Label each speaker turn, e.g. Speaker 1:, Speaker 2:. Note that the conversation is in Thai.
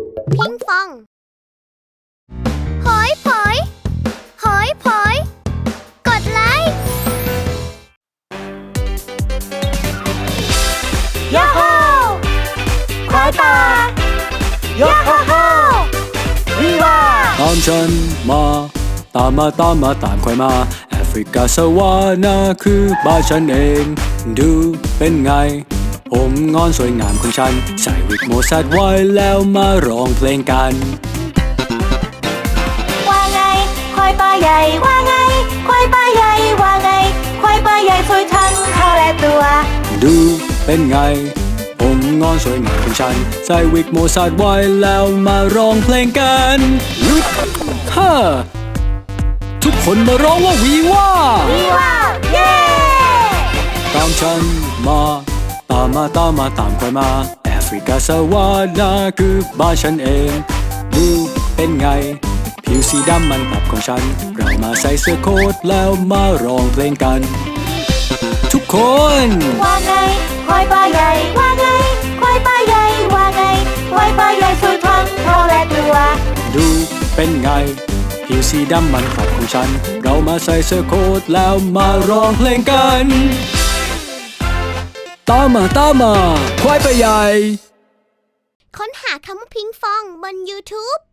Speaker 1: พิงฟองหอยผอยหอยผอยกดไลค์ยาฮูควายป่ายาฮูวีวา
Speaker 2: ตามฉันมาตามควายมาแอฟริกาสวานาคือบ้านฉันเองดูเป็นไงผมงอนสวยงามของฉันใส่วิกโมซัดไว้แล้วมาร้องเพลงกัน
Speaker 1: ว่าไงควายป่าใหญ่ว่าไงควายป่าใหญ่ว่าไงควายป่าใหญ่สวยทั้งเขาและตัว
Speaker 2: ดูเป็นไงผมงอนสวยงามของฉันใส่วิกโมซัดไว้แล้วมาร้องเพลงกันฮ่าทุกคนมาร้องว่าวีว่า
Speaker 1: วีว่าเย้
Speaker 2: ตามฉันมาตามควายมาแอฟริกาสวานาคือบ้านฉันเองดูเป็นไงผิวสีดำมันตับของฉันเรามาใส่เสื้อโค้ทแล้วมาร้องเพลงกันทุกคน
Speaker 1: ว่าไงควายป่าใหญ่ว่าไงควายป่าใหญ่ว่าไงควายป่าใหญ่สวยทั้งเขาและตัว
Speaker 2: ดูเป็นไงผิวสีดำมันตับของฉันเรามาใส่เสื้อโค้ทแล้วมาร้องเพลงกันตามมาควายป่าใหญ่
Speaker 1: ค้นหาคำว่าพิงฟองบน YouTube